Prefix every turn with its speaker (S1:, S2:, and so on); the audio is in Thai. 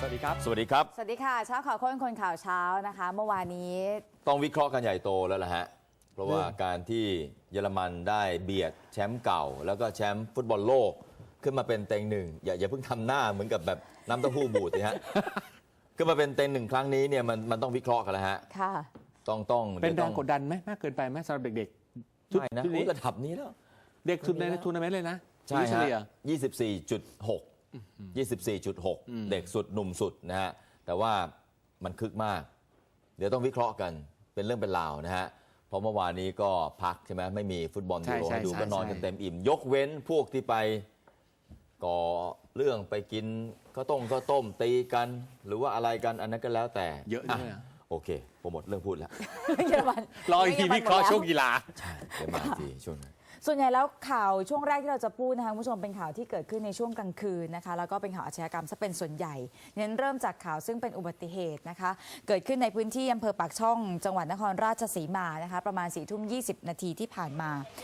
S1: วัสดีครับ
S2: สวัสดีครับ
S3: สวัสดีค่ะเช้าข่าวคนข่าวเช้านะคะ เมื่อวานนี้
S2: ต้องวิเคราะห์กันใหญ่โตแล้วล่ะฮะ เพราะว่าการที่เยอรมันได้เบียดแชมป์เก่า แล้วก็แชมป์ฟุตบอลโลกขึ้นมาเป็นเต็งหนึ่งอย่าเพิ่งทำหน้าเหมือนกับแบบน้ำเต้าหู้บูดสิฮะ ขึ้นมาเป็นเต็งหนึ่งครั้งนี้เนี่ยมันต้องวิเคราะห์กันแล้วฮะ
S3: ค่ะ
S2: ต้อง
S1: เป็นแรงกดดันไหมมากเกินไปไหมสำหรับเด็กๆ
S2: ไม่นะ
S1: ชุดนี้
S2: ระดับนี้แล้ว
S1: เด็กสุดในทัวร์นาเมนต์เลยนะ
S2: ใช่
S1: เฉ
S2: ฮะ
S1: ลี่ย
S2: 24.6 เด็กสุดหนุ่มสุดนะฮะ แต่ว่ามันคึกมาก เดี๋ยวต้องวิเคราะห์กันเป็นเรื่องเป็นราวนะฮะ เพราะเมื่อวานนี้ก็พักใช่ไหมไม่มีฟุตบอลยูโรให้ดูก็นอนกันเต็มอิ่ม ยกเว้นพวกที่ไปก่อเรื่องไปกินข้าวต้มตีกัน หรือว่าอะไรกันอันนั้นก็แล้วแต่
S1: เยอะเลยนะ
S2: โอเคผมหมดเรื่องพูดแล้ว
S3: เยอรมัน
S1: รออีกทีวิเคราะห์ช่วงกีฬา
S2: ใช่เดี๋ยวมาอีกทีช่วงนั้น
S3: ส่วนใหญ่แล้วข่าวช่วงแรกที่เราจะพูดนะคะคุณผู้ชมเป็นข่าวที่เกิดขึ้นในช่วงกลางคืนนะคะแล้วก็เป็นข่าวอาชญากรรมซะเป็นส่วนใหญ่เน้นเริ่มจากข่าวซึ่งเป็นอุบัติเหตุนะคะเกิดขึ้นในพื้นที่อำเภอปากช่องจังหวัดนครราชสีมานะคะประมาณ4 ทุ่ม 20 นาทีที่ผ่านมา